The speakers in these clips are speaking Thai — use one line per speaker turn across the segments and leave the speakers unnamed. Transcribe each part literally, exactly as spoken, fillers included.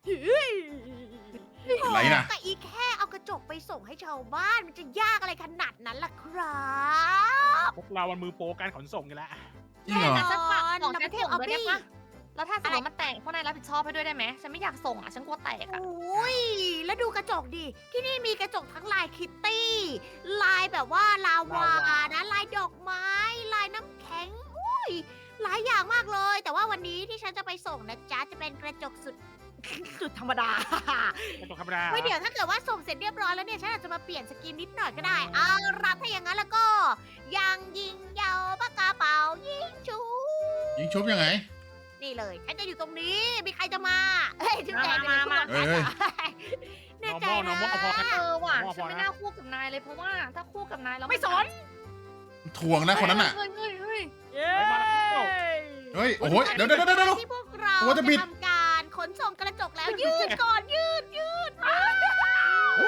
อะไรน่ะ
ก็อีแค่เอากระจกไปส่งให้ชาวบ้านมันจะยากอะไรขนาดนั้นล่ะครับ
พวกเรามันมือโปรการขนส่งกันแล้ว
จริงเหรอ
แต่ฉันฝากของ
เรา
ฉั
ไป
น
เที่ยว
ส่ง
ออฟ
ด้วยได้
ฟี่
ปะแล้วถ้าสมมติมันแตกพวกนายรับผิดชอบให้ด้วยได้ไหมฉันไม่อยากส่งอ่ะฉันกลัวแตก
โอ
อ่ะ
้ยแล้วดูกระจกดิ ที่นี่มีกระจกทั้งลายคิตตี้ ลายแบบว่าลาวานะ ลายดอกไม้ ลายน้ำแข็ง อุ้ย หลายอย่างมากเลย แต่ว่าวันนี้ที่ฉันจะไปส่งนะจ๊ะ จะเป็นกระจกสุด สุดธรรมดา
กระจกธรรมดา
ไว้เดี๋ยวถ้าเกิดว่าส่งเสร็จเรียบร้อยแล้วเนี่ย ฉันอาจจะมาเปลี่ยนสกินนิดหน่อยก็ได้ เอารับถ้าอย่างนั้นแล้วก็ยังยิงยาวปากกาเป๋ายิงชู
ยิงชุบยังไง
นี่เลย ฉันจะอยู่ตรงนี้ มีใครจะมา เฮ้ยจุ๊บแจง
มามา
เฮ้ยเฮ้ย
แน่ใจ
นอร์มอลนอร์มอลพอ
นะ
เออว่ะ
ผมว่า
ฉันไม่น่าคู่กับนายเลยเพราะว่าถ้าคู่กับนายเรา
ไม่สน
ถ่วงนะคนนั้นน่ะ
เฮ้ยเฮ้ยเฮ้ย
เย้
ไปมาแล้ว
เฮ้ย โอ้โห เดี๋ยวเดี๋ยวเดี๋ยวเดี๋ยว
ที่พวกเรา
โอ้จะบิด
ทำการขนส่งกระจกแล้ว ยืดก่อนยืดยืด
โอ้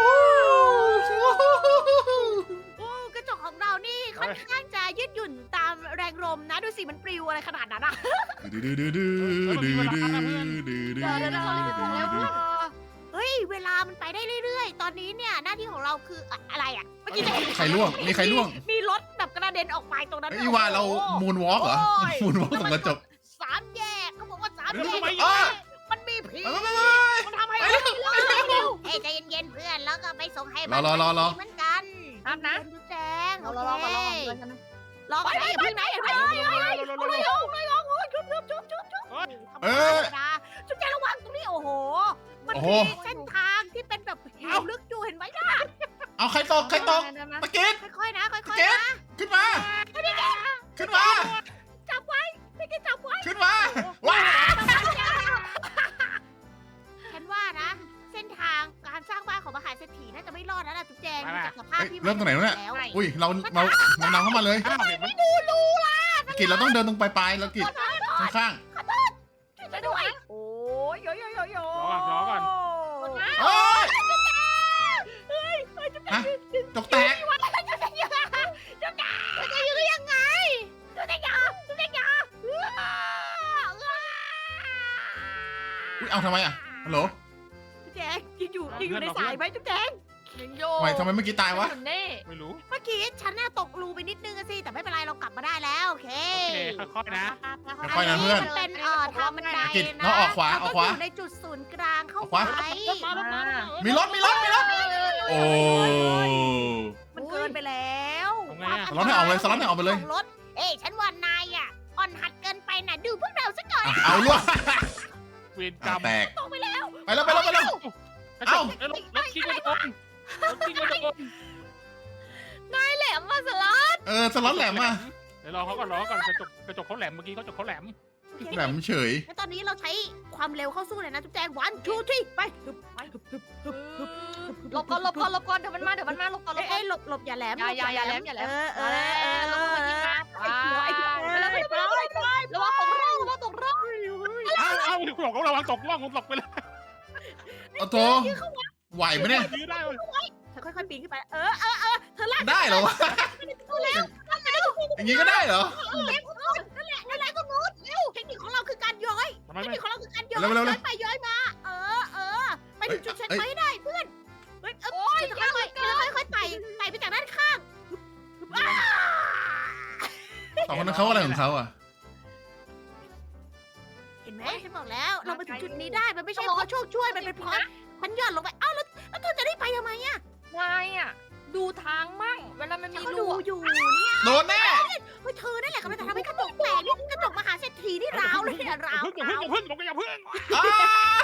โอ้กระจกของเรานี่ค่อนข้างจะยืดหยุ่นตามแรงลมนะ ดูสิมันปลิวอะไรขนาดนั้นอะ
ดื้อดื้อดื้อดื้อดื้อดื้อดื้อดื้อ
เดี๋ยวเดี๋ยวเดี๋ยวเรารีบไปส่งแล้วเพื่อน
เฮ้ย เวลามันไปได้เรื่อยๆ ตอนนี้เนี่ยหน้าที่ของเราคืออะอะไรอะเมื่อกี้จะเห็น
ใครล่วง มีใครล่วง
มีรถแบบกระเด็นออกไปตรงนั้น
ไอ้ยว่าเรา
โอ้โห
มูนวอล์กเหรอ
โอ้ย
มูนวอล์กตรงกระจก
สามแยกเขาบอกว่าสาม
เดี๋ยว
แย
ทำ
ก
ไม
อ้อ
มันมีผี
ไปไปไป
มันทำให้เราไม่รอดเฮ้ยใจเย็นๆเพื่อนแล้วก็ไปส่งให้บ้าน
รอรอรอ
เหมือนกัน
ครับนะ
ดูแจง
เรา
โอ
เรา
เค
เราก่อนเราก่อนเราก่อน
รอก่อนนะอย่าเพิ่งนะอย่าเพิ่งนะอย่าเพิ่งนะไม่ยอมไม่ยอมโอ้ยชุบชุบชุบชุบชุบ
เอ้ย
ธรรมดาชุบแจงระวังตรงนี้โอ้โห มัน
โอ้โห
มีเส้นทางที่เป็นแบบเหวลึกอยู่เห็นไหมล่ะ
เอาใครตก ใครตก ตะกิด
ค่อยๆนะค่อย
เจ๊
ๆนะ
ขึ้นมา ขึ้นมา
จับไว้ไม่ได้จับไว้
ขึ้นมา ว้า
ฉันว่านะ เส้นทางการสร้างบ้านของมหาเศรษฐีน่าจะไม่รอดแล้วล่ะจุ๊บแจง
ไป
ดู
ๆ
จากสภาพ
เฮ้ย
ที่
เริ่มตรงไหนวะเนี่ย
แล้ว
อุ้ย เรา เราเรานำเข้ามาเลย
อ้าวเห็นไหม
ดูรูล่ะ
ตะกิดเราต้องเดินตรงปลายๆแล้วกิดข้าง
ช่วยด้วย โอ้ยโยโยโยโย
รอก่อนรอก่อน
ๆโอ้ยฮะจกแตก
จุ๊บแจงยังไงจุ๊บแจงจุ๊บแจงยังยังไงจุ๊บแจงยาจุ๊บแจงยา
อุ้ย เอาทำไมอ่ะ ฮัลโหล
จุ๊บแจงยังอยู่ยังอยู่ในสายไหมจุ๊บแจง
ยังโย
ทำไมทำไมเมื่อกี้ตายวะ
เน่
ไม่รู้
เมื่อกี้ฉันน่ะตกรูไปนิดนึงอะสิแต่ไม่เป็นไรเรากลับมาได้แล้วโอเค
โอเคค่อยๆนะ
ค่อยๆนะเพื่อน
มันเป็นเอ่อทางบันได
กิจ
นะ
เราออกขวา
เร
ออกขวา
ต้งยู่ในจุดศูนย์กลางเข้า
ออกขวา
ไป
มีรถ มีรถ มีรถ โอ้
มันเกินไปแล้ว
ทำไงอะ
สล็อตให้ออกเลยสล็อตให้ออกไปเลย
ของรถเอ้ยฉันว่านายอ่ะอ่อนหัดเกินไปน่ะดูพวกเราซะก่อน
อ่ะเอาล่วง
เวรกรรม
แตก
ตกไปแล้ว
ไปแล้วไปแล้วไปแล้ว
กระจ
เอ้า
กเอ้ยรถรถคิงกระโดดรถคิงกระโดด
แหลมมาสลัด
เออ สล็อตแหลมอ่ะ
เดี๋ยวรอเขาก่อนรอเขาก่อนกระจกกระจกเขาแหลมเมื่อกี้กระจกเขาแหลม
โอเค
แหลมเฉย
งั้นตอนนี้เราใช้ความเร็วเข้าสู้เลยนะจุ๊บแจงวันทูที่ไปฮึบไปฮึบฮึบฮึบฮึบ
หลบก่อนหลบก่อนหลบก่อนเดี๋ยวมันมาเดี๋ยวมันมาหลบก่อนหล
เอ้
บ
ย
ก่อ
เอ้ยหลบหลบอย่าแหลม
อย่าอย่าอย่าแหลมอย่าแหลม
เออเอ
เอ
อเอ
อ
อ
ลงมายิงนะ
ไอ้เขียวไอ้เขียว
ไปแล้วไปแล้วไปแล้วระวังตกร่องระวังตกร่อง
อ้าวอ้าวคุณบอกเขาระวังตกล่องคุณตกไปเลย
ๆเอาโถไหวไหมเนี่ย
ยื้อได้เลย
เธอค่อยๆปีนขึ้นไป เออเออเออเธอลาก
ได้เหรอวะ อย่างงี้ก็ได้เหรอ
นั่นแหละนั่นแหละตรงนู้นเร็วเทคนิคของเราคือการย้อย
ทำไม
เทค
ไม่
นิคของเราคือการย้อย
เร็วเร็วเร็
ย้
ว
อยไปย้อยมา เออเออไปถึงจุดเช็ค
เอ้ย
ไว้ให้ได้เพื่อนเฮ้ยเออ
โอ้ย
จะค่อยๆจะค่อยๆไต่ไต่ไปจากด้านข้างอ้า
สองคนนั้นเขาอะไรของเขาอ่ะ
เห็นไหมฉันบอกแล้ว เรามาถึงจุดนี้ได้ มันไม่ใช่เพราะโชคช่วย มันเป็นเพราะฉันหย่อนลงไป อ้าวแล้วแล้วเธอจะได้ไปทำไมอะ
นายอ่ะดูทางมั่งเวลามัน
ฉัน
มี
ก็
รู
ดูอยู่เนี่ย
โดนแน่
เฮ้ยเธอนั่นแหละกำลังจะทำให้กระจกแตกนี่กระจกมหาเศรษฐีนี่ร้าวเลยเนี่ยร้าว
อย่า
ร้าว
พึ่งอย่าพึ่งอย่าพึ่งบอกอย่าพึ่ง
อ้า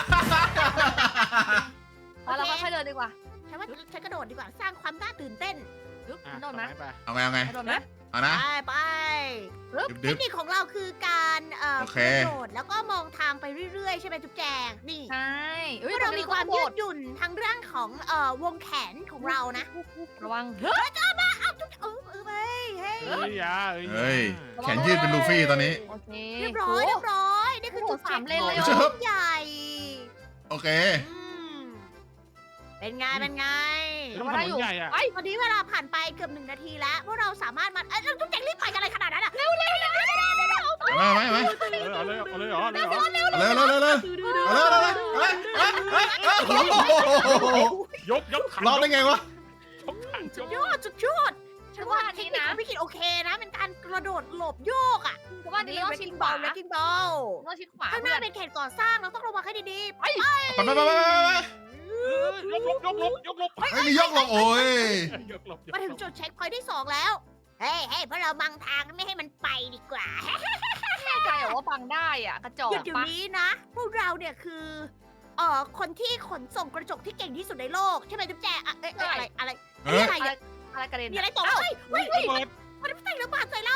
เอาเราค่อยๆเดินดีกว่า
ฉันว่าฉันกระโดดดีกว่าสร้างความน่าตื่นเต้น
ยุบ
อ่ะ
โดนไหม
ไป
เอาไงเอาไง
โดนไหม
เอานะ
ไปไป
ดึบ
เท
ดึ
ค
บ
นิคของเราคือการเอ่อ
โอเค
กระโดดแล้วก็มองทางไปเรื่อยๆใช่ไหมจุ๊บแจงนี่
ใช่เอ้ย
เมื่อเรามีความ
โด
ยื
ด
ดหยุ่นทางเรื่องของเอ่อวงแขนของเรานะ
ระวัง
เฮ้ยจ้ามาอ้าวจุ๊บเออเออเฮ้ยเฮ้ย
เฮ้ยอยา
เฮ้ย แขนยืดเป็นลูฟี่ตอนนี้
โอเค
เรียบร้อยเรียบร้อยนี่คือจุด
โอ้โหสามเลนเลยเหรอ
จุดใหญ่
โอเค
อืมเป็นไงเป็นไง
ต้องถนนใหญ่อะ
ไอ้
ตอนนี้เวลาผ่านไปเกือบหนึ่งนาทีแล้วพวกเราสามารถมาเอ้ยเราต้องแจงรีบไปกันอะไรขนาดนั้นอ่ะเร็วเร็วเร็วเร็วเร็วเร็วเร็ว
เอาไหมเอาไหม
เออเอาเลยเอาเลยเอาเลยเอาเลย
เอาเลยเอาเลยเอาเลยเอาเลยเอาเลยเอาเลยเอาเลย
ยกยกขัน
รอดได้ไงวะ
ยกขันย
สุ
ก
ดยอดสุดยอดฉันว่าเทคนิคของพี่กิตโอเคนะ เป็นการกระโดดหลบโยกอ่ะ
เพราะว่านี่ต้องชิดขวา
เลกิ้งบอล
ต้องชิดขวา
ข้างห
เพื่
น้า
อน
เป็นเขตก่อสร้างเราต้องระวังให้ดีๆไป
ไปไปไปไปไป
ยกลบยกลบยกลบ
ไอ้ยมียกลงโอ้ย
ยกลบยก
มาถึง
ลบ
จุดเช็คพอยท์ที่สองแล้ว เฮ้ยเฮ้ยเพราะเราบังทางไม่ให้มันไปดีกว่า
แน่ใจเหรอว่าฟังได้อ่ะกระจอก
หยุดอยู่
ปะ
นี้นะ พวกเราเนี่ยคือเอ่อคนที่ขนส่งกระจกที่เก่งที่สุดในโลก ใช่ไหมจุ๊บแจอะเอ้ยเอ้ยอะไรอะไร
เฮ้ย
อะไรอะ
อะไรกระเด็น
มีอะไรตกเฮ้ยเฮ้ย
ระเบิด
มันใส่ระเบิดใส่เรา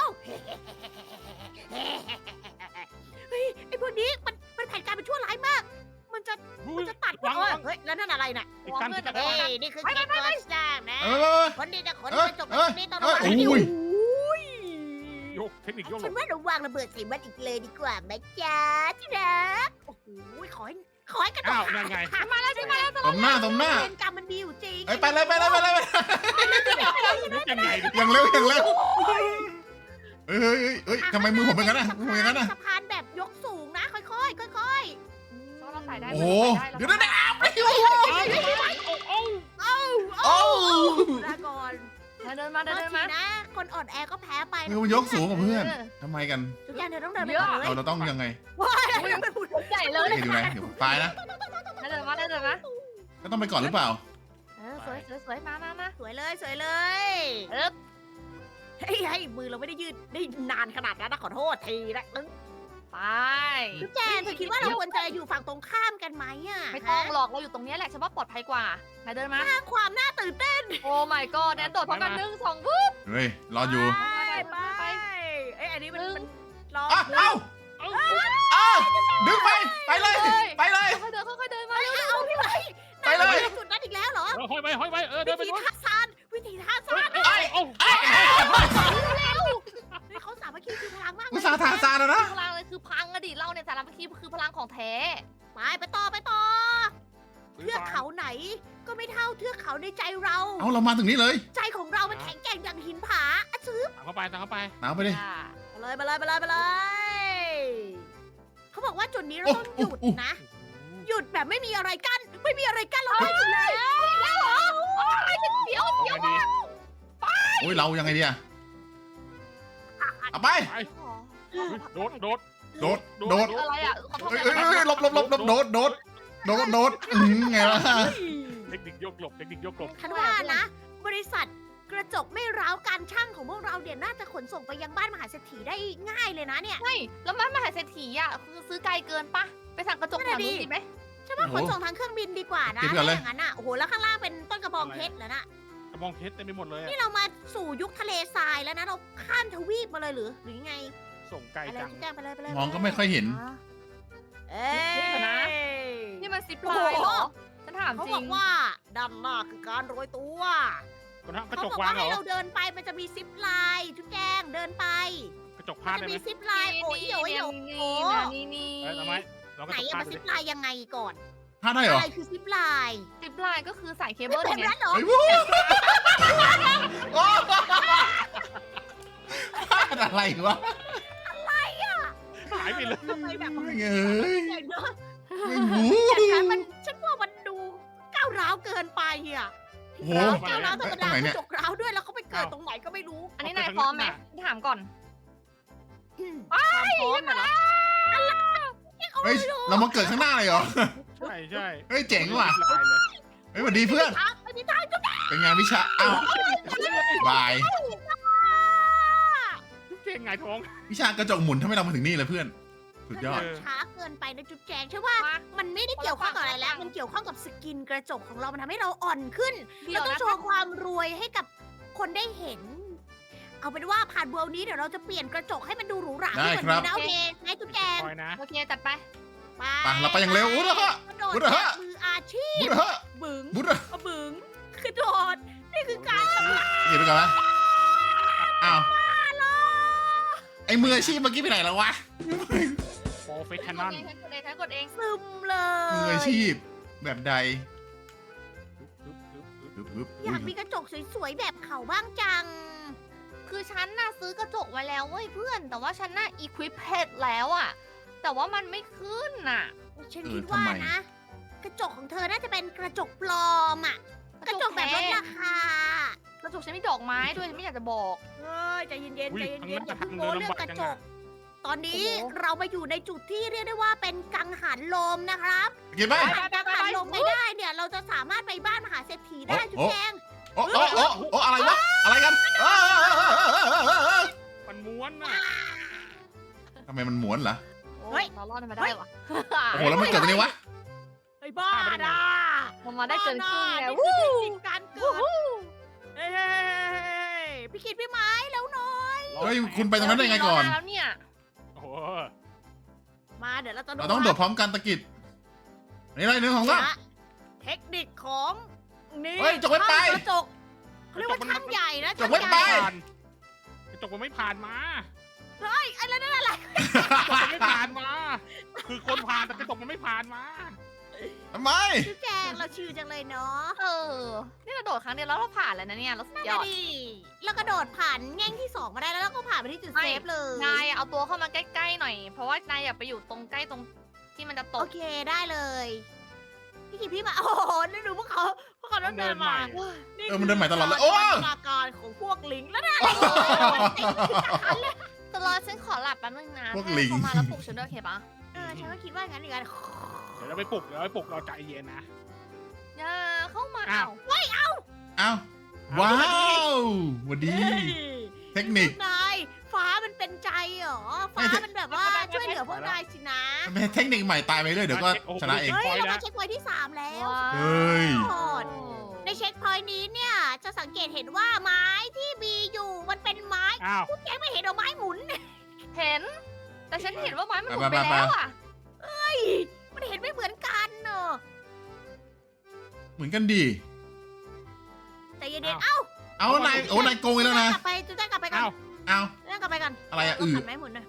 เฮ้ยไอ้พวกนี้มันมันแผนการเป็นชั่วร้ายมาก มันจะมันจะตัด
วาง
เออ
วาง
เฮ้ยแล้วนั่นอะไรน่ะ
อีกกันอีกกัน
เฮ้ยนี่คือเขตก่อสร้างนะ
เออ
คนที่จะขน
เอ้
ก
ย
ระจก
เอ้ย
นี่ต้องระวัง
เอ้ย
ให้ดี
โอ้ย
โอ้ย
ยกเทคนิคยกล
ฉัน
บ
ว่าเราวางระเบิดใส่มันอีกเลยดีกว่าไหมจ๊ะที่รักโอ้โหขอให้ขอให้กระจก
อ้าวนั่นไง
มาแล้วมาแล้ว
สมหน้าสมหน้า
เวรกรรมมันมีอยู่จริง
เอ้ยไปเลยไปเลยไปเลยไปเลย
ยกยังไงดิ
อย่างเร็วอย่างเร็วเฮ้ยเฮ้ยเฮ้ยเฮ้ยทำไมมือผมเป็นงั้นอ่ะมืออย่างนั้นอ่ะ
สะพานแบบยกสูงนะค่อยๆค่อยๆ
เราใส่ได้
โอ้โห
เรา
เดี๋ยว
ใส่
นะ
ได้
ไปอยู่
โอ้โอ้
โอ้
ลาก่อน
เดินมา
เดิ
เดิ
น
น
มา
มา
นะ คนอ่อนแอก็แพ้ไป
มือมันยกสูงกว่าเพื่อนทำไมกัน
ทุกอย่างเธอต้องเดินไปก่อนเลย
เราเราต้องยังไง
ว้ายเป็นผู้
ใหญ่เลย
เดี๋ยวดูนะเดี๋ยวตายนะ
เดินมาเดินมา
ก็ต้องไปก่อนหรือเปล่า
เออสวยสวยสวยมามามา
สวยเลยสวยเลย
เอ๊บ
เฮ้ยให้มือเราไม่ได้ยืดได้นานขนาดนั้นนะขอโทษทีนะ
ไป
ทุกแจนเธอคิดว่าเราควรจะอยู่ฝั่งตรงข้ามกันไหมอ่ะ
ไม่ต้องหรอกเราอยู่ตรงนี้แหละฉันว่าปลอดภัยกว่าไหนเดินมา
สร้างความน่าตื่นเต้น
โอ้ my god แนนโดดพร้อมกันหนึ่งสองวุ้บ
เฮ้ยรออยู่
ไปไปเอ้ยอันนี้มัน
หนึ่ง
มันล้อ
อ้าวเอ้า
เอ้า
อ้าวดึงไปไปเลยไปเลย
ค่อยๆเดินค่อยๆเดินมา
เอ้ยเอาพี่ไป
ไปเลย
จุดนั้นอีกแล้วเหรอ
เออห้อยไปห้อยไปเออเดินไป
วิธี
นู้น
ท่าซานวิธีท่าซาน
เอ้ยโอ้
เฮ้ยเขาสามัคคีคือพลังมาก
อุตส่าห์ทาซานแล้วนะ
พลังเลยคือพังอะดิเราเนี่ยสารพัดคือพลังของแท้
ไปไปต่อไปต่อเทือกเขาไหน ก็ไม่เท่าเทือกเขาในใจเรา
เอาเรามาถึงนี้เลย
ใจของเรามันแข็งแกร่งอย่างหินผาอะซื้อ
ตามเข้าไปตามเข้าไป
ตามไปดิ
มาเลยมาเลยมาเลยมาเลย เขาบอกว่าจุดนี้เราต้องหยุดนะ หยุดแบบไม่มีอะไรกั้นไม่มีอะไรกั้นเราได้อยู่แล้ว
แล้วเหรอโอ้ยฉันเสียว
เอาไงดี
โอ้ยเรายังไงดีอะเอาไป
ไปโดดโดด
โดดโดด
อะไรอ่ะขอโทษ
เอ้ยเอ้ยเอ้ยหลบหลบหลบหลบโดดโดดโดดโดดอืมไงล่ะ
เทคนิคยกหลบเทคนิคยกหลบ
ฉันว่านะ บริษัทกระจกไม่ร้าวการช่างของพวกเราเนี่ยน่าจะขนส่งไปยังบ้านมหาเศรษฐีได้ง่ายเลยนะเนี่ย
ไม่แล้วมันมหาเศรษฐีอ่ะคือซื้อไกลเกินปะไปสั่งกระจกแถวนู้นดีไหม
ฉันว่าขนส่งทางเครื่องบินดีกว่านะถ้าอย่างนั้นอ่ะโอ้โหแล้วข้างล่างเป็นต้นกระบองเพชรแล้วนะ
กระบองเพชรเต็มไปหมดเลยอะ
นี่เรามาสู่ยุคทะเลทรายแล้วนะเราข้ามทวีปมาเลยหรือหรือยังไง
ส่งไกล
ไปเลย
จัง
จุ๊บแจ้งไปเลยไปเลย
มองก็ไม่ค่อยเห็น
เอ้ย
นี่มันซิปไลน์เหรอฉันถาม
เขา
จริ
บอง กว่าด้านหน้าคือการโรยตัว
กระทะกระ
เขา
จก
บอก
วา
ว่าง
เหร
ให้
อ
เราเดินไปมันจะมีซิปไลน์จุ๊บแจงเดินไป
กระจก
มั
พาน ด
จะ
ได้ไหม
มีซิปไลน์โอ้ยโอ้ยโอ้ย
นี่นะนี่นี่
เอ้ยทำไมลองก
ไหน
ระจก
อะ
พา
มั
ด
น
ดู
ซิ
ดิ
ปไลน์ยังไงก่อน
พลาดได้เหรอ
อะไรคือซิปไลน์
ซิปไลน์ก็คือสายเค
ไม่
เบิล
เป็น
ไง
นั้นเหรอ
เฮ้ยวู้โอ้พลาดอะไรวะ
หายไปเลย
ทำไมแบบ
ไม่เอ้ย
ใหญ่เนอะ
ไม่รู้
แต่ฉันมันฉันว่ามันดูก้าวร้าวเกินไปอ่ะ
โอ้โห
ก้าวร้าวธรรม
ตร
ดาง
ไหนเนี่ย
กระจกร้าวด้วยแล้วเขาไปเกิดตรงไหนก็ไม่รู้
อันนี้นายพร้อมไหมถามก่อน
ความพร้อมน่ะเหรอ
เฮ้ยเรามาเกิดข้างหน้าเลยเหรอ
ใช่ใช่
เฮ้ยเจ๋งว่ะ
ลายเลย
เฮ้ยสวัสดีเพื่อน
ไม่มีทางจุ๊บ
เป็นไงานวิชาอ้าวบาย
เก่งไงท้อง
วิชากระจกหมุนทำให้เรามาถึงนี่เลยเพื่อน สุดยอด
เออ
ช้าเกินไปนะจุ๊บแจงใช่ว่า
มา
มันไม่ได้เกี่ยวข้องกับอะไรแล้ว มันเกี่ยวข้องกับสกินกระจกของเรา มันทำให้เราอ่อนขึ้น
เดี๋
เรา
ยว
ต้อง
นะ
โชว์ความรวยให้กับคนได้เห็น เอาเป็นว่าผ่านเวลนี้เดี๋ยวเราจะเปลี่ยนกระจกให้มันดูหรูหราขึ้นกว่านี้นะโอเคไหนจุ๊บแจง
คอยนะ
โอเคจัดไป
ไป
ไปเราไปอย่างเร็วอุ๊ยเหรอฮะ
กระโดด
อุ๊ยเหรอ
แบ
ฮะ
บมืออาชีพ
บุญเหรอ
บึ๋ง
บุญเหรอ
อะบึ๋งกระโดด นี่คือการ
เก็บไปก่อนนะอ้าวไอ้มืออาชีพเมื่อกี้ไปไหนแล้ววะ
โปรเฟชชั่นอล
ฉันกดเองฉันกดเอง
ซึมเลย
มืออาชีพแบบใด
ปึ๊บปึ๊บปึ๊บ
ปึ๊บปึ๊บ
อยากมีกระจกสวยๆแบบเขาบ้างจัง
คือฉันน่ะซื้อกระจกไว้แล้วเว้ยเพื่อน แต่ว่าฉันน่ะอีควิปเพจแล้วอะแต่ว่ามันไม่ขึ้นน่ะ
ฉันคิดว่านะกระจกของเธอน่าจะเป็นกระจกปลอมอะกระจกแบบลดราคา
กระจกฉันมีดอกไม้ด้วยฉันไม่อยากจะบอก
เฮ้ยใจเย็นๆ
อุ๊
ใจ
ย
เย็นๆอย่า
ทาง
เพิ่ง
นั้น
โม้
ทาง
เรื่องกระจ
เดินลำบากจั
ก
งอะ
ตอนนี้
โอ้โห
เรามาอยู่ในจุดที่เรียกได้ว่าเป็นกังหันลมนะครับ
กินไหม
ถ้ากังหันลมไม่ได้เนี่ยเราจะสามารถไปบ้านมหาเศรษฐีได้
โอ้
จุ๊บ
โอ้
แจง
โอ้โอ้โอ้โอ้อะไรวะอะไรกันเอ้ย
มันม้วนน่ะ
ทำไมมันหมวนเหรอ
เฮ้ย
เรารอดมันมาได้วะ
โอ้โหแล้วมันเกิดตรงนี้วะ
ไอ้บ้าด่า
มันมาได้เกินครึ่งแล้ว
นี่คือเทคนิคการเกิดเฮ้ยพี่คิดพี่ไม้แล้วหน่อย
เฮ้ยคุณไปตรงนั้นได้ไงก่อน
แล้วเนี่ย
โอ้โห
มาเดี๋ยวเราจะ
เราต้องโดดพร้อมกันตะกิดนี่อะไรหนึ่งของเรา
นะเทคนิคของนี่
เฮ้ยจกไว้ไป
กระจกเขาเรียกว่าช่างใหญ่นะ
จกไว้ไป
ช่างใหญ่
ผ่านกระจกมันไม่ผ่านมา
เฮ้ยอะไรนั่นอะไร
กระจกมันไม่ผ่านมา คือคนผ่านแต่กระจกมันไม่ผ่านมา
ทำไม
จุ๊บแจงเราชื่อจังเลยเนาะ
เออ นี่เราโดดครั้งเดียวแล้วเราผ่านแล้วนะเนี่ยเราสุดย
นั่น
อด
ดีแล้วกระโดดผ่านแง่งที่สองมาได้แล้วเราก็ผ่านไปที่จุด
ไม่
เซฟเลย
นายเอาตัวเข้ามาใกล้ๆหน่อย เพราะว่านายอยากไปอยู่ตรงใกล้ตรงที่มันจะต
โอก เคได้เลย พี่คิดพี่มาโอ้โหนี่ดูพวกเขาพวกเขาเดินมา
เออมันเดินใหม่ตลอดเลยโอ้
จินตนาการของพวกลิงแล้วนะ
ตลอดฉันขอหลับแป๊บนึงนะ
พวก
ถ้า
ลิง
เขามาแล้วปลุกฉันด้วยโอเคปะ
เออฉันก็คิดว่างั้นเหมือนกัน
เดี๋ยวเราไปปลุกเดี๋ยวเราไปปลุกเราใจเย็นนะ
อย่าเข้ามา
อ้าว
เอา
เอ้าว้าวสวัสดี เทคนิค
นายฟ้ามันเป็นใจเหรอ ฟ้ามันแบบว่าช่วยเหลือพวกนายสินะ
มันเป็นเทคนิคใหม่ตายไปเรื่อยเดี๋ยวก็ชนะเอง
เฮ้ย
พอยต์
เรา
แล้
มาว เช็คพอยท์ที่สามแล้ว
ว้าว
เฮ้ย
ในเช็คพอยต์นี้เนี่ย จะสังเกตเห็นว่าไม้ที่มีอยู่มันเป็นไม้
อ้าว
พวกแกไม่เห็นเอาไม้หมุน
เห็น แต่ฉันเห็นว่าไม้มันหมุน
ไป
ไป
ไปไป
แล้วอ่ะ
มันเห็นไม่เหมือนกันเนอะ
เหมือนกันดี
แต่เย็นๆเอ้า
เอานายโอ้นายโกงอีกแล้วนะ
กลับไปจุดแจ้งกลับไปก่อน
อ้าว
เอา
จุดแจ้งกลับไปก่อน
อะไรอะ
ต้ง
อืด
ขัดไม้หมุนหน่อย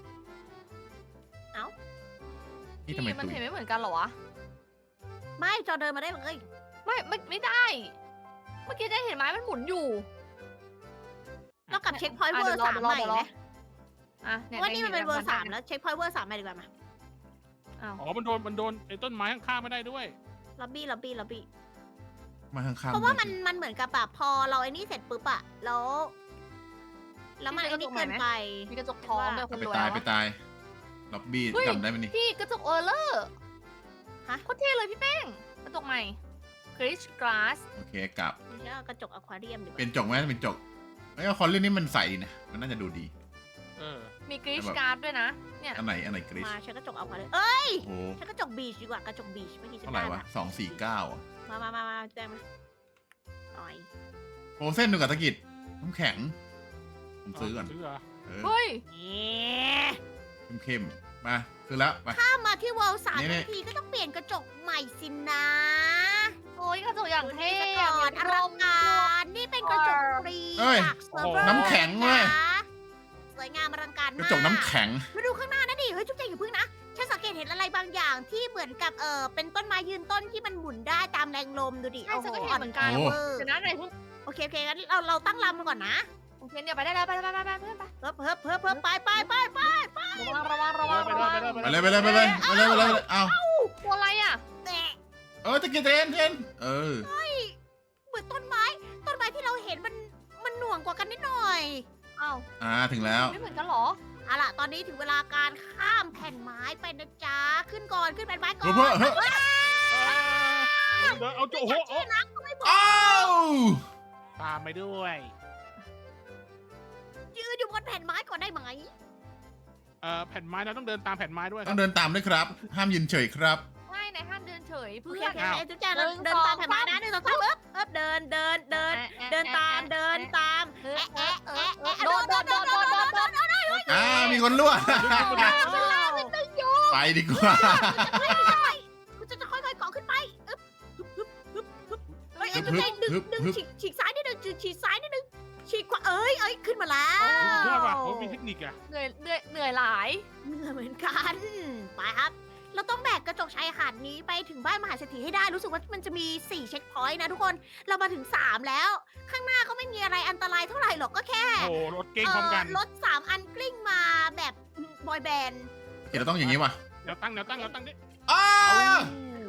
นี่ทำไม
มัน
ตุย
เห็นไม่เหมือนกันเหรอวะ
ไม่จอเดินมาได้เลย
ไม่ไม่ไม่ได้ เมื่อกี้ได้เห็นไม้มันหมุนอยู่
เรากลับเช็คพอยต์เวอ
อ่ะ
ร์
เดี๋ยวรอ
สาม
เดี๋ยวรอ
ใหม่
เดี๋ยวร
ไห
อ
ม
อ่ะเนี่ย
ว่านี่มันเป็นเวอร์
ได้
สามแล้วเช็คพอยต์เวอร์สามใหม่ดีกว่ามา
อ้าว
อ๋อ มันโดน มันโดนไอ้ต้นไม้ข้างๆไม่ได้ด้วย
ล็อบบี้ล็อบบี้ล็อบบี้
มาข้างๆ
เพราะว่ามันมันเหมือนกับแบบพอเราไอ้นี่เสร็จปุ๊บอะแล้วแล้วมันไอ้นี่เกินไป
มีกระจกทองด้วยค
เอา
น
ไป
รวย
ตาย
แล้ว
ไปตายล็อบบี้
เฮ้ย
จำได้ไหมนี่
พี่กระจกเออร์เลอร์
ฮะ
โคตรเท่เลยพี่แป้ง กระจกใหม่คริสกราส
โอเคกลับ
นี่ก็กระจกอควาเรียมดีก
เป็
ว่าน
จกไหมเป็นจกไอ้ยคอนเล่นนี่มันใสดีนะมันน่าจะดูดี
เออ
มีกริชการ์ดด้วยนะ เนี่ย
อันไหนอันไหนกริช
มาใช้กระจกอควาเรียมเอ้ย
โอ้โห
ใช้กระจกบีชดีกว่ากระจกบีชเมื่อกี้ฉัน
เท่าไหร่
ได้
วะ
มา
สองสี่เก้าอ่ะ
มามามามาแจ้งมาหน่อย
โปรเส้นดูกับตะกิดน้ำแข็งผมซื้อก่อน
ซื้อเหรอ
เออ
เฮ้ย
นี่
เข้มๆมาซื้อแล้วไป
ถ้ามาที่วอลสาม
นี่
นาทีก็ต้องเปลี่ยนกระจกใหม่สินะ
โอ้ยกระจกอย่างเท่
ดูนี่ซะก่อนอลังการนี่เป็นกระจกฟรี
เอ้ย
จากเซิร์ฟเวอร์
น้ำแข็งเว้ย
นะสวยงามอลังการ
ก
มาก
ระจกน้ำแข็ง
มาดูข้างหน้านะดิ เฮ้ยจุ๊บแจงอย่าพึ่งนะ ฉันสังเกตเห็นอะไรบางอย่างที่เหมือนกับเออเป็นต้นไม้ยืนต้นที่มันหมุนได้ตามแรงลมดูดิ
ใช่ฉันก็เห็นเหมือนกัน
โอ้
เวอร์
เดี๋ยวนะไหนเพิ่ง
โอเคโอเคงั้นเราเราตั้งลำมันก่อนนะ
โอเคเดี๋ยวไปได้แล้วไปไปไปไปเพื่อนไป
เพิ่มเพิ่มเพิ่มเพิ่มไปไปไปไป
ระวังระวังระวัง
ไป
ระ
เลย
วัง
ไปเลย
ไปเลยไปเลยไปเลยไปเลยไปเลยไปเลยเอา
ตัวอะไรอ่ะ
แตะ
เออตะกิดเทนเทนเออ
เหมือนต้นไม้ ต้นไม้ที่เราเห็นมันมันหน่วงกว่ากันนิดหน่อย
อ้าว
อ่าถึงแล้ว
ไม่เหมือนกันเหรอ
เอาล่ะ ตอนนี้ถึงเวลาการข้ามแผ่นไม้ไปนะจ๊ะ ขึ้นก่อน ขึ้นแผ่นไม้ก่อน
เพื่อเพื่อเพื่อ
เดี๋ยวเอาโจ้โอ้โห
ชื่อนักก็ไม่บอก
อ้าว
ตามไปด้วย
ยืนอยู่บนแผ่นไม้ก่อนได้ไหม
เอ่อ แผ่นไม้เราต้องเดินตามแผ่นไม้ด้วยค
ต้
รั
อบ งเดินตามด้วยครับ ห้ามยืนเฉยครับ
ไม่ในห้ามเดินเฉย
โอ
เพื่
เค
อ
โอน เค
อ้าว
เอ้ยจุ๊บแจงเรา
หนึ่ง
เดินตาม
สอง
แผ่นไม้นะหนึ่งสองสามเอ๊บเอ๊บเดินเดินเดิน เดินตามเดินตาม
เออ
แอะ
เอ
แอะ
อเอ
แอะ
อ
แอะ
โดดโดดโดดโดดโดดโดด
อ่ามีคนรั่ว ไปดีกว่า
คุณจะจะค่อยๆเกาะขึ้นไปอึ๊บฮึบฮึบฮึบฮึบเฮ้ยไอ้จุ๊บแจงดึง
ฮึบ
ดึง
ฮึบ
ฉีกฉีกซ้ายนิดนึงฉีกฉีกซ้ายนิดนึงฉีกขวาเอ้ยเอ้ยขึ้นมาแล้ว
โอ้สุดยอดว่ะเขามีเทคนิคอะ
เหนื่อยเหนื่อยเหนื่อยหลาย
เหนื่อยเหมือนกันไปครับ เราต้องแบกกระจกชายหาดนี้ไปถึงบ้านมหาเศรษฐีให้ได้รู้สึกว่ามันจะมีสี่เช็คพอยต์นะทุกคนเรามาถึงสามแล้ว ข้างหน้าก็ไม่มีอะไรอันตรายเท่าไหร่หรอกก็แค่
โอ้โหรถเก่งพร้อมกัน
เรถสามอันกลิ้งมาแบบบอยแบนด์
เดี๋ยวเราต้องอย่างนี้ว่ะ
เดี๋ยวตั้งเดี๋ยวตั้งเดี๋ยวตั้งดิ
อ้า
เ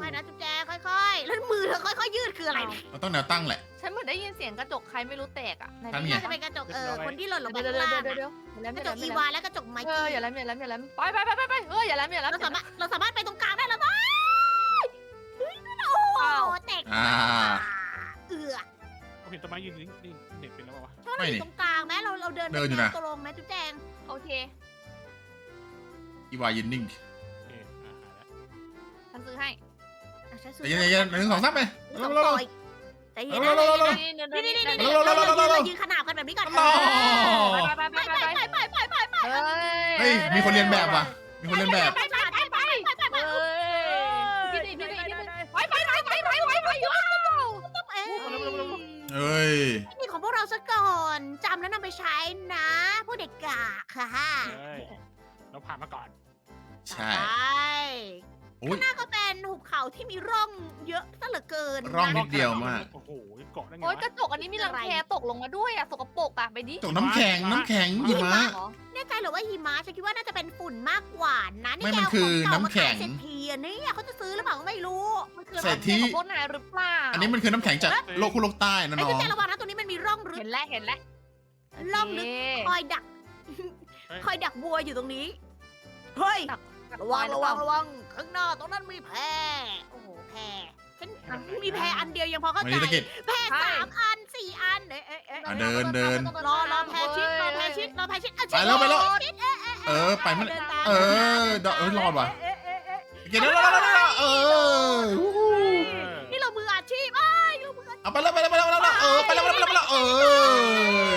ค่อยๆนะจุ๊บแจงค่อยๆแล้วมือเธอค่อยๆยืดคืออะไรเนี่ย
เราต้องแนวตั้งแหละ
ฉันเหมือนได้ยินเสียงกระจกใครไม่รู้แตกอ่ะไหน
ทำไง
น่าจะเป็นกระจกเออคนที่หล่นลงไป
เดี๋ยว
ข้าง
เดี๋ยว
ล่าง
เดี๋ยวเดี๋ยว
อะ
เดี๋ยวอย่าแหลม
ก
อย่า
ระ
แห
จ
ล
ก
ม
อีวาและกระจกไม
เอ
กี้
ออย่าแหลมอย่าแหลมอย่าแหลมไปไปไปไปไปเอออย่าแหลมอย่าแหลม
เราสามารถเราสามารถไปตรงกลางได้แล้วมั้ยเฮ้ยโอ้โหแตก
อ่า
เอือ
ผมเห็นต้นไม้ยืนนิ่งนิ่งเน็ตเป็นแล้ววะ
ชอบเราอยู่ตรงกลางไหมเราเราเดิน
เดินอยู่นะ
ตรงไหมจุ๊บแจง
โอเค
อีวายินนิ่ง
โอเคอ่าหายแล้ว
ฉันซื้อให้
อ่ะฉันซื้อ
แต่ยังไงหนึ่งสองสามไป
สอง
เร็ว
ต่อ
ๆ
อีกใจเย็น
เร็
นะ
วๆเร็วๆเร็ว
นี่
นี่นี่นี่
นี่
นี่
เร็วๆ
เรา
เร็วๆเร็วๆ
เรายืนขนาบกันแบบนี้ก่อน
ต่อ
ไปไปไป
ไป
ไป
ไป
ไป
ไปไปไปไป
เฮ้ย
เฮ้ยมีคนเรียนแบบว่ะมีคนเรียนแบบ
ไปไปไปไปไปไปไป
เฮ้ยพี่ดิพี่ดิพี่ดิไปไปไปไปไปไปไป
เอ้ย
เฮ้ย
นี่ของพวกเราซะก่อนจำแล้วนำไปใช้นะพวกเด็กกะค่ะ
เฮ้ยเราผ่านมาก่อน
ใช่
ใช่
โอ้ย
ข้างหน้าก็เป็นหุบเขาที่มีร่องเยอะซะเหลือเกิน
ร่องนิ
นะ
ดเดียวมาก
โอ้โหเกาะได้ไง
โอ๊ยว
ะ
กระจกอันนี้มีรังแคตกลงมาด้วยอ่ะสกปรกอ่ะไปดิ
ตกน้ำแข็งน้ำแข็งหิมะ
เหรอ
แน่ใจเหรือว่าหิมะฉันคิดว่าน่าจะเป็นฝุ่นมากกว่านะนี่
ไม่
แก
มัน
เอา
คือ
ของเก่า
น้ำ
มา
แข็
ขาย
ง
เศรษฐีอันนี้เขาจะซื้อหรือเปล่าก็ไม่รู้
มันคือ
เศรษฐี
รังแคของพวกนายหรือเปล่า
อันนี้มันคือน้ำแข็งจากโลกคู่โลกใต้นะ
ไอ้
น้อ
ที่
ง
แกระวังนะตรงนี้มันมีร่องลึก
เห็นแล้วเห็นแล้ว
ร่องลึก คอยดัก คอยดักบัวอยู่ตรงนี้ เฮ้ย ระวังระวังระวังข้างหน้าตรงนั้นมีแพโอ้โหแพฉันมีแพอันเดียวยังพอเข้า
วัน
ใจ
นี้ตะกิด
แพสามอันสี่อันเอ๊ะเอ๊ะเอ๊ะ
อ่ะเดินเดิน
รอรอแพชิดรอแพชิดรอแพชิดอ่ะ
ไปแล้วไปแล้ว
ชิดเอ๊ะ
เออไปมัน
ดินตาม
เออเดาเอ้ยรอดว่ะ
เอ๊ะเอ๊ะเอ๊ะ
เกินแล้วแล้วแล้วเออ
นี่เรามืออาชีพเอ้ยเรามืออาชีพ
เอาไปแล้วไปแล้วไปแล้วไปแล้วเออไปแล้วไปแล้วไปแล้วเออ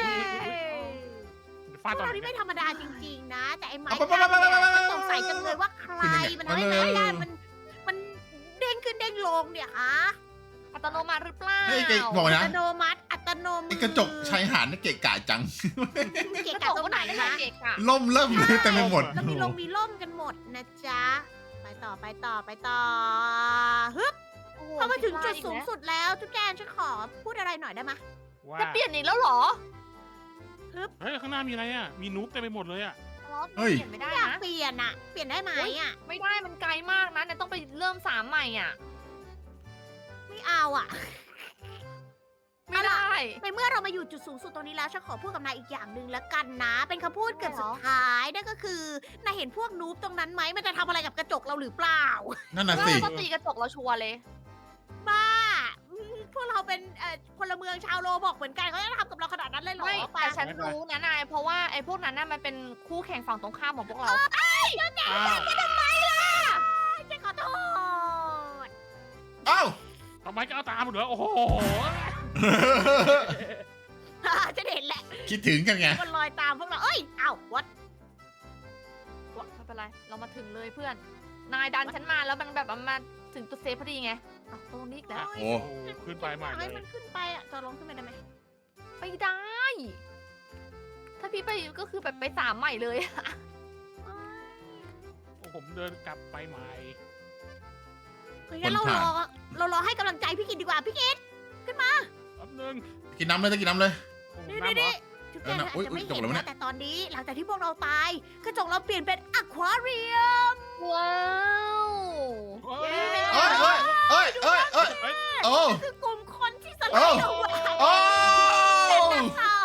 ฟาด
พว
ต
ก
อน
เรา
ไหน
นี่
เนี่
ไม่
ย
ธรรมดาจริงๆนะ แต่ไอ้ไม้
เอาไป
กั้น
ไปไปไปไป
เนี่ยฉันสงสัยจังเลยว่าใครมันทำให้
มาเลย
ไม้กั้นมันมันเด้งขึ้นเด้งลงเนี่ยฮะ
อัตโนมัติหรือเปล่า
เฮ้ยเก๋บอก
อั
นะ
ตโนมัติอัตโนมือ
ไอ้กระจกชายหาดนี่เกะกะจัง
เกะ
กระ
กะ
จก
ตรง
ก็
ไห
ไห
น
นได้
นะ
เกะกะ
ล่มเริ่มเลยแต่ไม่หมด
แล้วมีลงมีล่มกันหมดนะจ๊ะ ไปต่อไปต่อไปต่อฮึบ
โอ้โห
พอมาถึงจุด
ผิ
สูง
พลาอีก
สุดแล้วจุ๊บแจนฉันขอพูดอะไรหน่อยได้ไหม
ว่า
แล้วจะเปลี่ยนอีกแล้วเหรอ
เฮ้ยข้างหน้ามีอะไรอ่ะมีนู๊บเต็มไปหมดเลยอ่ะ
เฮ้ย
เปลี่ยนไม่ได้
อยาก
นะ
เปลี่ยนอะเปลี่ยนได้ไหมอะ
ไม่ได้มันไกลมากนะเนี่ยต้องไปเริ่มสามใหม่อ่ะ
ไม่เอาอะ
ไม่ได้
ในเมื่อเรามาอยู่จุดสูงสุดตรงนี้แล้วฉันขอพูดกับนายอีกอย่างหนึ่งแล้วกันนะ เป็นคำพูดเกือบ
เหร
สุ
อ
ดท้ายนั่นก็คือนายเห็นพวกนูบตรงนั้นไหมมันจะทำอะไรกับกระจกเราหรือเปล่า
นั่นน่ะ
ว่า
สิ
ก็ตีกระจกเราชัวร์เลย
บ้าอืมพวกเราเป็นเอ่อพลเมืองชาวโลบอกเหมือนกันเขาจะทำกับเราขนาดนั้นเลยเหรอ
ไม่
ปะ
แต่ฉันรู้นะนาย เพราะว่าไอ้พวกนั้นน่ะมันเป็นคู่แข่งฝั่งตรงข้ามของพวกเรา
อ้าว
ฉันขอโทษ
เอ้า
ทำไมก็เอาตามเหรอโอ้โห
ฉันเห็นแหละ
คิดถึงกันไง
มันลอยตามพวกเราเอ้ยเอ้าวัด
ไม่เป็นไร เรามาถึงเลยเพื่อน นายดันฉันมาแล้วมันแบบมันมาถึงจุดเซฟพอดีไงอ่ะตรงนี้อีกแล้ว
โอ้
โอ้โหขึ้นไปใหม่เล
ให้
ย
มันขึ้นไปอ่ะจอลงขึ้นไปได้ไหม
ไม่ได้ ถ้าพี่ไปก็คือแบบไปสามใหม่เลย
โอ้ผมเดินกลับไปใหม่
เฮ้ยงั้นเรารอเรารอให้กำลังใจพี่กิตดีกว่าพี่กิต
แป๊บนึง
กินน้ำเลยจะกินน้ำเลย
โอ้โห
นี่
น้ำเหร
นี่
อ
จุด
เอ
เด่
อน นะ
อาจ
อุ๊ย
จะไม่
อุ๊ยจบ
เห็น
แล้ววะเนี่
นะ
ย
แต่ตอนนี้หลังจากที่พวกเราตายกระจกเราเปลี่ยนเป็นอควาเรียม
ว้าว
โอ้
เย้
ย
เอ้ยเอ้ยเอ้ยเอ้ยเอ้ย
เฮ้ย
โอ้
คือกลุ่มคนที่ส
โอ้
ลายเอาไว้
โอ้
เป็นนักเศร้า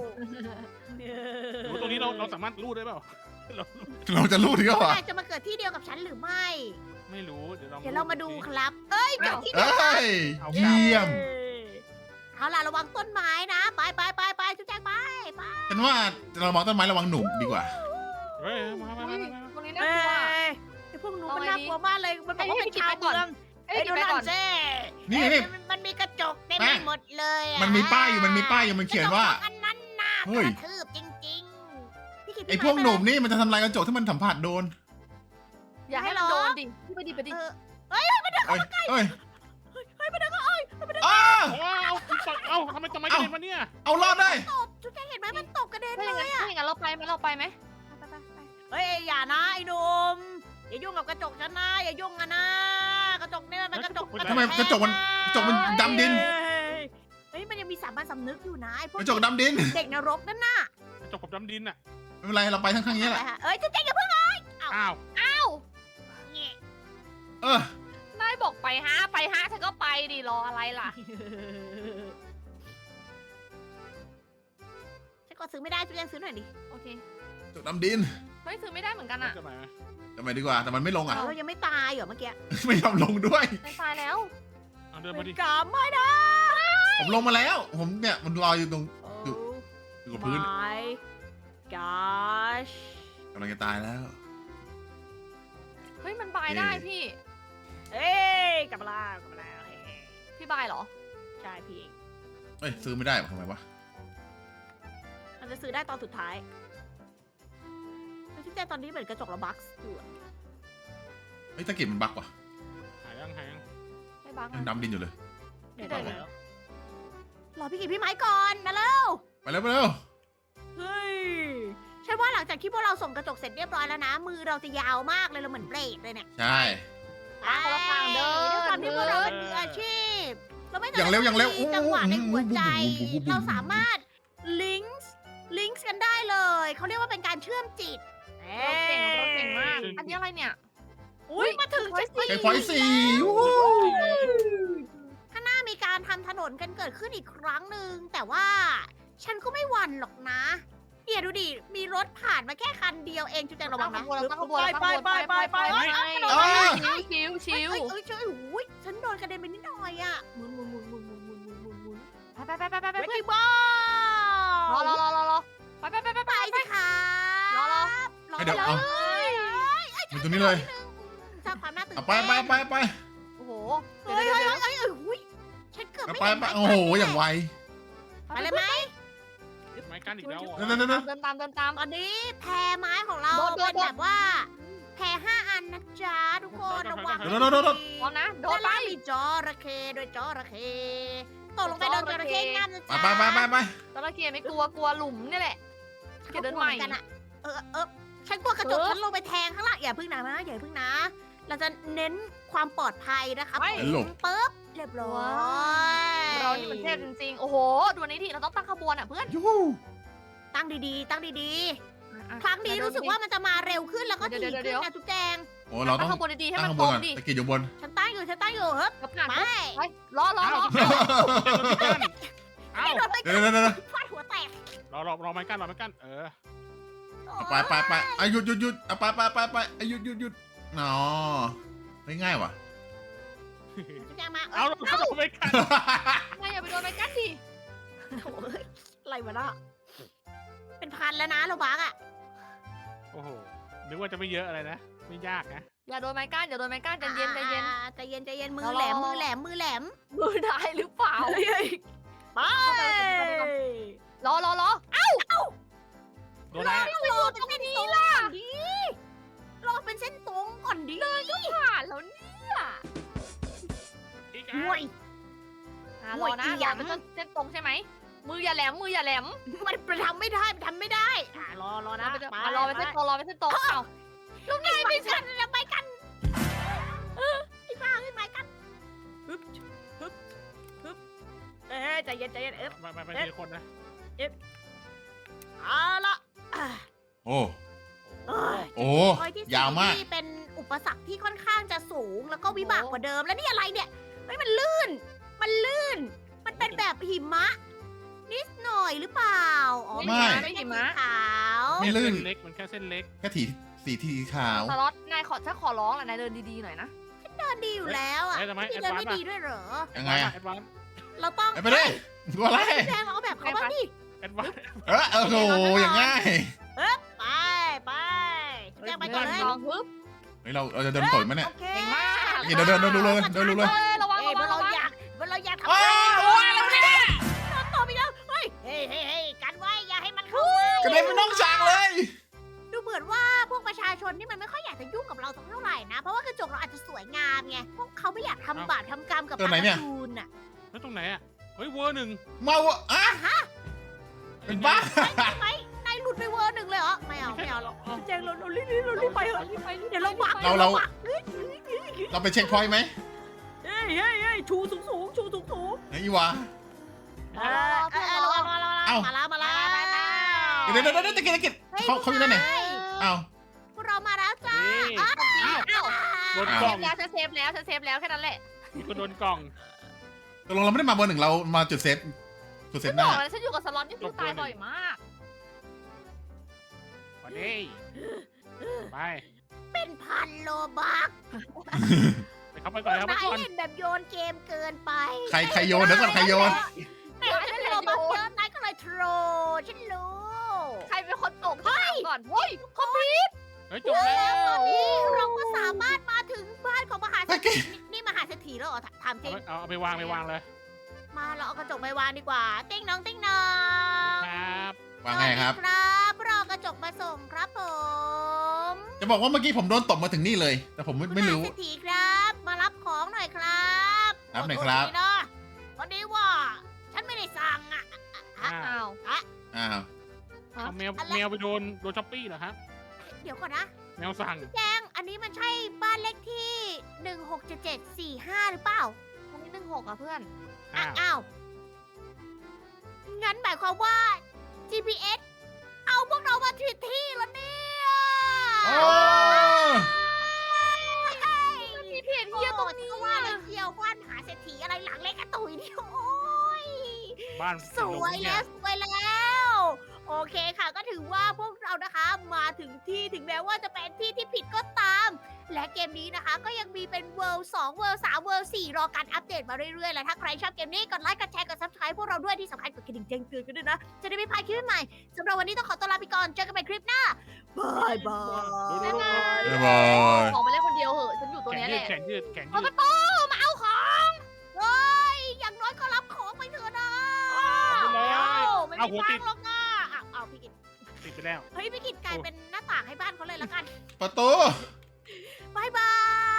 โอ้ตรงนี้เราเราสามารถรูดได้เปล่าเรา
เราจะรู้ถึงก็
พวก
วะ
นายจะมาเกิดที่เดียวกับฉันหรือไม่
ไม่รู้เดี๋ยวลอง
เดี๋ยวเรามาดูครับ เอ้ยเกิดที่เดี
เอ้
ยวกัน
ยเยี่ยม
เอาล่ะระวังต้นไม้นะ ไปไปไปไปจุ๊บแจ๊กไปไป
ฉันว่าเรามองต้นไม้ระวังหนุ่มดีกว่า
เฮ้ยมามา
อุ๊
มาย มา
ตรงนี้น่ากลัว
ไอ้พวกหนู
เอา
มัน
ไง
น่า
ดี
กลัวมากเลย มันบอกว่า
ให้
เป็น
พี่
ชาว
กิตไปก่อน
เมือง
เอ้ย
เอ้ย
กิ
ดู
นไป
นั่
ก่อน
นเจ้
นี่
เอ้ย
นี่
มันมันมีกระจกเต็ม
แม่
ไปหมดเลยอะ
มันมีป้ายอยู่มันมีป้ายอยู่มันเขียนว่า
กระจกอันนั้นน่าก
เฮ้ย
ระทืบจริงๆพี่กิต
ไอ้พวกหนุ่มนี่มันจะทำลายกระจกที่มันสัมผัสโดน
อย่าให้มันโดนดิพี่ไปดิไปดิ
เออ
เอ้ยเอ้ย
เฮ้ยมันเดินเข้าเอ้ย
อ้า
โอ้เอาเอาทำไมทำไมกระเด็นมาเนี่ย
เอารอดได้
ตบจุ๊บแจ๊กเห็นไหมมันตกกระเด็น
ถ้า
เล
อย่างนั้น
ยอะ
ถ้าอย่างนั้นเราไปไหมเราไปไหม
ไปไปไปเฮ้ยอย่านะไอ้หนุ่มอย่ายุ่งกับกระจกฉันนะอย่ายุ่งอะนะกระจกเนี่ยมันกระจก
ทำไมกระจกมันกระจกมันดำดิน
เฮ้ยมันยังมีสามัญสำนึกอยู่นะไอ้พว
ก
ก
ระจกดำดิน
เด็กนรกนั่นน่ะ
กระจกกับดำดินอ่ะ
ไม่เป็นไรเราไปข้างๆนี้แหละ
เอ้ยจุ๊บแจ๊กอย่าเพิ่ง
อ้าว
อ้าว
เงี้ย
เออ
นายบอกไปฮะไปฮะฉันก็ไปดิรออะไรล่ะ
ฉันก็ซื้อไม่ได้จุ๊ยังซื้อหน่อยดิ
โอเค
จกดำดิน
เฮ้ยซื้อไม่ได้เหมือนกันอะ
จะไหนไหม
ทำไมดีกว่าแต่มันไม่ลงอ่ะ
เรายังไม่ตายเหรอเมื่อกี้
ไม่ยอมลงด้วย
ในตายแล้ว
เอาเดินมาดิ
กาไม่ได้
ผมลงมาแล้ว ผมเนี่ยมันลอยอยู่ตรง อยู่ อยู่กับพื้น
my gosh
กำลังจะตายแล้ว
เฮ้ยมันบายได้พี่
เอ้ยกลับมาแล้วกลับมาแล้วเฮ้ย
พี่บายเหรอ
ใช่พี่เอง
เอ้ยซื้อไม่ได้วะทำไมวะ
มันจะซื้อได้ตอนสุดท้ายแล้วที่แจ้ตอนนี้เหมือนกระจกระบักอยู่อะ
เฮ้ยตะเกียบมันบักว่ะ
หายยังหายยัง
ไม่บัง
ยังดำดินอยู่เลย
เดี๋ยว
ไม่
เดี๋
ได้
ยว
แล้ว
รอพี่กิจพี่ไม้ก่อนมาแล้ว
ไปแล้วไปแล้ว
เฮ้ยฉันว่าหลังจากที่พวกเราส่งกระจกเสร็จเรียบร้อยแล้วนะ มือเราจะยาวมากเลยเราเหมือนเบรดเลยเนี่ย
ใช่
ไปคนละทางเดิน
ด้วยความที่พวกเราเป็นมืออาชีพ เราไม่
อย่างเร็วอย่างเร็ว
มีจังหวะในหัวใจ
อู้หู
เราสามารถลิงก์ลิงก์กันได้เลย เขาเรียกว่าเป็นการเชื่อมจิต
เราเก่งเราเก่งมาก อันนี้อะไรเนี่ย
อุ้ยมาถึง
เฮ้ย
เช็ค
ใช้พอยต์สี่วู้ฮู้
ข้างหน้ามีการทำถนนกันเกิดขึ้นอีกครั้งหนึ่งแต่ว่าฉันก็ไม่หวั่นหรอกนะเดี๋ยวดูดิมีรถผ่านมาแค่คันเดียวเองจุดแจงระวังนะ
เราตั้งขบวนเราตั้งขบวน
ไปไปไปไปไป
ชิวชิว
เอ้ย
ชิว
เอ้ยเอ้ยโอ้ยฉันโดนกระเด็นไปนิดหน่อยอ่ะหมุนหมุนหมุนหมุนหมุนหมุนหมุนหมุนหมุน
ไปไปไปไปไป
เว
เพื่อน
ทีบอ
รอ
ล
รอรอรอรอไปไปไปไป
ไป
ไป
สิคะ
รอรอ
รอ
ให้เดี๋ยว
เล
เอา
ย
อยู่ตรงนี้เลย
สร้างความน่าตื่น
เอา
เต้น
ไปไปไปไป
โอ้โห
เฮ้
เดี๋ยวย เดี๋ยว
เฮ้ย
เดี๋ยว
เฮ้ยเฮ้ยอุ้ยฉันเกือบ
เอา
ไม่
ไป
เห็น
ไปโอ้โหอย่างไว
ไปเลยไหม
ไม้กั้นอีกแล้วเหรอ
นั่นนั่นนั่น
เดินตามเดินตาม
ตอนนี้แพรไม้ของเรา
โดดโดด
เป็นแบบว่า แพรห้าอันนะจ๊ะทุกคนระวัง
โดดโดดโดดโดด
พร้อมนะโด
โด
ด
น
ไป
ไปมีจระเข้โดยจระเข้ตกลงไปโดนจระเข้งามนะ
ไป
จ๊ะ
ไปไปไปไป
ตอนแรกเกียร์ไม่กลัวกลัวหลุมนี่แหละ เกียร์เดินใหม่
กันอะเออเออฉันกลัวกระจก
เออ
ฉันลงไปแทงข้างล่างอย่าพึ่งนะอย่าพึ่งนะ เราจะเน้นความปลอดภัยนะคะ
ไป
หลบ
ปึ๊บเรียบร้อย
เรานี่มันเทพจริงๆ โอ้โห ดูอันนี้ทีเราต้องตั้งขบวนอ่ะเพื่อน
ยูฮู
ตั้งดีๆ ตั้งดี
อ่ะ
ๆ ครั้งนี้รู้สึกว่ามันจะมาเร็วขึ้นแล้วก็
เดี๋
ถี่
ยว
ขึ้น
เดี๋ยว
นะจุ๊บแจง
โอ้เราต้
ตั้
อง ง
ขบวนดีๆให้
ตั้
มั
ง
น
ข้าง
ต
บ
ร
น
ง
ก่อน
ดิ
ตะเกียบอยู่บน
ฉันตั้งอยู่ฉันตั้งอยู่เฮ้ย
กับผ่าน
ไป
ไปรอรอรอ
เอ้า
ไม่โดนไป
เดี๋ยวเดี๋ยวเดี๋ยวเดี๋ยว
ฟาดหัวแตก
รอรอรอไม้กั้นรอไม้กั้นเออ
เอาไปไปไปอ่ะหยุดหยุดหยุดเอาไปไปไปไปอ่ะหยุดหยุดหยุดอ๋อไม่ง่ายว่ะ
จุ๊บแจงมา
เอาเราเข้าไม้กั้น
นายอย่าไปโดนไปกันดิ
โถ่เอ้ยอะไรวะน่ะเป็นพันแล้วนะเราบักอะ
โอ้โหนึกว่าจะไม่เยอะอะไรนะไม่ยากนะ
อย่าโดนไม้ก้านอย่าโดนไม้ก้านใจเย็นใจเย็น
อ่าใจเย็นใจเย็นมือ
รอ
แหลม
รอ
มือแหลมมือแหลม
มือได้หรือเปล่า
ไป
รอรอรอ
โดนอะไรอะ
รอเป็นเส้นตรงก่อนดิรอเป็นเส้นตรงก่อนดิ
ผ่านแล้วเนี่ย
อีก
ห่วย
อ่ะรอนะรอเป็นเส้นตรงใช่ไหมมืออย่าแหลมมืออย่าแหลม
มันทำไม่ได้มันทำไม่ได้อ่ารอรอ
ร
นะ
อไปมารอไปเส้นตรงรอไปเส้นตรงเอ้า
ลูกนายไปกันแล้วไปกันเออไอ้บ้าไอ้ไม้กันฮึบฮึบฮึบเอ้ยใจเย็นใจเย็นเอฟ
ไปไปไปทีละคนนะ
เอาละอ่ะ
โอ้
เอ้ย
โอ้
พอยที่สี่
ยาวมาก
นี่เป็นอุปสรรคที่ค่อนข้างจะสูงแล้วก็วิบากกว่าเดิมแล้วนี่อะไรเนี่ยเฮ้ยมันลื่น มันลื่น มันเป็นแบบหิมะ นิดหน่อยหรือเปล่าอ๋อ
ไม่
ไม่ใช่สีขาว
ไม่ลื่น
เส้นเล็กมันแค่เส้นเล็ก
แค่ถีสีทีขาว
สล็อตนายขอถ้าขอร้องแหละนายเดินดีๆหน่อยนะ
เดินดีอยู่แล้วอ่ะ
เอ้ยทำไม
พี่
แอด
เดิน
วาน
ไม่
ซ์
ดีด้วยเหรอ
ยังไงอะ
แอดวานซ์
เราต้อง
ไปเลยตัวอะไร
แดงเราเอาแบบเขาบ้างดิ
แอดวานซ์
เออโอ้โหอย่างง่าย
ไปไปแดงไปก่อนเลย
ลองฮึบ
เฮ้ยเราเราจะเดินต่อยไหมเนี่ย
โอเค
เก่งมาก
เดี๋ยวเดินเดินดูเลยเดินดูเลย
เฮ้ยระวัง
เอ้ย
ระวัง
เรา
ระวัง
อยากเราอยากทำ
โอ้
อะไร
ยแล้วเนี่ย
ต่อไปแล้วเฮ้ยเฮ้ยเฮ้ยเฮ้ยกันไว้อย่าให้มันเข้าก
ระเด็นเป็นน้องช้างเลย
ดูเหมือนว่าพวกประชาชนนี่มันไม่ค่อยอยากจะยุ่งกับเราสักเท่าไหร่นะ เพราะว่ากระจกเราอาจจะสวยงามไงพวกเขาไม่อยากทำบาปทำกรรมกับปลาการ์ตูนอ่ะ
แล้วตรงไหนอ่ะเฮ้ยเวอร์หนึ่ง
มาวะอ่ะ
ฮะ
เป็นบ้า
ใช่ไหมนายหลุดไปเวอร์หนึ่งเลยเหรอไม่เอาไม่เอาหรอกแจงเราเรารีบเรารีบไปเถอะเดี๋ยวเราบัก
เราเราเราไปเช็คพอยต์ไหม
เฮ้ยเฮ้ยเฮ้ยชูสูงสูงชูสูงสูง
ไอ้อีวะ
เออเออระวังระวังระวัง
เอ้า
มาแล้วมาแล้ว
เดี๋ยวเดี๋ยวเดี๋ยวตะกี้ตะกี้เขาเขาอยู่ด้านไหนอ้าว
พวกเรามาแล้วจ้า
นี่
อ้าว
อ้าว
อ้าว
โดโดน
ฉัน
ก
เซ
ล่อง
ฟแล้วฉันเซฟแล้วฉันเซฟแล้วแค่นั้นแหละ
ก็โดนกล่อง
ตกลงเราไม่ได้มาเบอร์หนึ่งเรามาจุดเซฟจุดเซ
ฉั
ฟ
น
ห
บ
น้า
อกแล้วฉันอยู่กับสล็อตนี่คือตายบ่อยมาก
มาดิไป
เป็นพันโลบัก
ไปเข้าไปก่อนครับไป
นาย
ก่อน
เล่นแบบโยนเกมเกินไป
ใครใครโยนเดี๋ยวก่อนใครโยน
นายเล่นโลบักเยอะนายก็เลยโทรฉันรู้
ใครเป็นคนตกถามก่อนเฮ้ย
คอมพิว
เฮ้ยจบแล้ว
ตอนนี้เราก็สามารถมาถึงบ้านของมหาเศรษ
โอเค
ฐีนี่นี่มหาเศรษฐีแล้วเหรอถามจริง
เอาเอาไปวางไปวางเลย
มาเราเอากระจกไปวางดีกว่า ติ้งน้องติ้งน้อง
ครับ
ว่าไงครับ
สวัสดีครับเราเอากระจกมาส่งครับผม
จะบอกว่าเมื่อกี้ผมโดนตบมาถึงนี่เลย แต่ผมไม่ไม่รู้
มหาเศรษฐีครับ มารับของหน่อยครับ
รับหน่อยครับ
ขอโทษทีนะพอดีว่า ฉันไม่ได้สั่งอ่ะ
อ้าว
อ้าว
อ้าว
เอาแมวแมวไปโดนโดนช้อปปี้เหรอครับ
เดี๋ยวก่อนนะ
แมวสั่ง
แจงอันนี้มันใช่บ้านเลขที่หนึ่งหกเจ็ดเจ็ดสี่ห้าหรือเปล่า
อันนี้หนึ่งหกอ่ะเพื่อน
อ่ะ
อ้าว
อ้าว งั้นหมายความว่า จี พี เอส เอาพวกเรามาผิดที่แล้วเนี่ย
โอ้
มีเพจเฮียตรงนี้ว่าเลยเที่ยวบ้านมหาเศรษฐีอะไรหลังเล็กกระตุยนี่โอ้ย
บ้าน
สวยแล้วสวยแล้ว โอเคค่ะก็ถือว่าพวกเรานะคะมาถึงที่ถึงแม้ว่าจะเป็นที่ที่ผิดก็ตาม และเกมนี้นะคะก็ยังมีเป็น World สอง World สาม World สี่รอการอัปเดตมาเรื่อยๆ และถ้าใครชอบเกมนี้กดไลค์กดแชร์กด Subscribe พวกเราด้วยที่สำคัญกดกระดิ่งแจ้งเตือนกันด้วยนะ จะได้ไม่พลาดคลิปใหม่สำหรับวันนี้ต้องขอตัวลาไปก่อนเจอกันใหม่คลิปหน้าบายบาย
บ๊ายบาย
บ๊ายบาย
ออกไปเล่นคนเดียวเหอะฉันอยู่ตรง
แขน
เนี้ย
ยื
แห
ด
ละ
แขนยืดแขน
เปิ
ยื
ด
ด
ประตูมาเอาของเฮ้ยอย่างน้อยก็รับของไปเถอะนะ
เอาไปเลย
ไม่
เอา
มี
หัว
ทา
ติด
งหรอกนะอ้าวเอาพี่กิต
ติดไปแล้ว
เฮ้ยพี่กิตกลายเป็นหน้าต่างให้บ้านเขาเลยละกัน
ประตู
บายบาย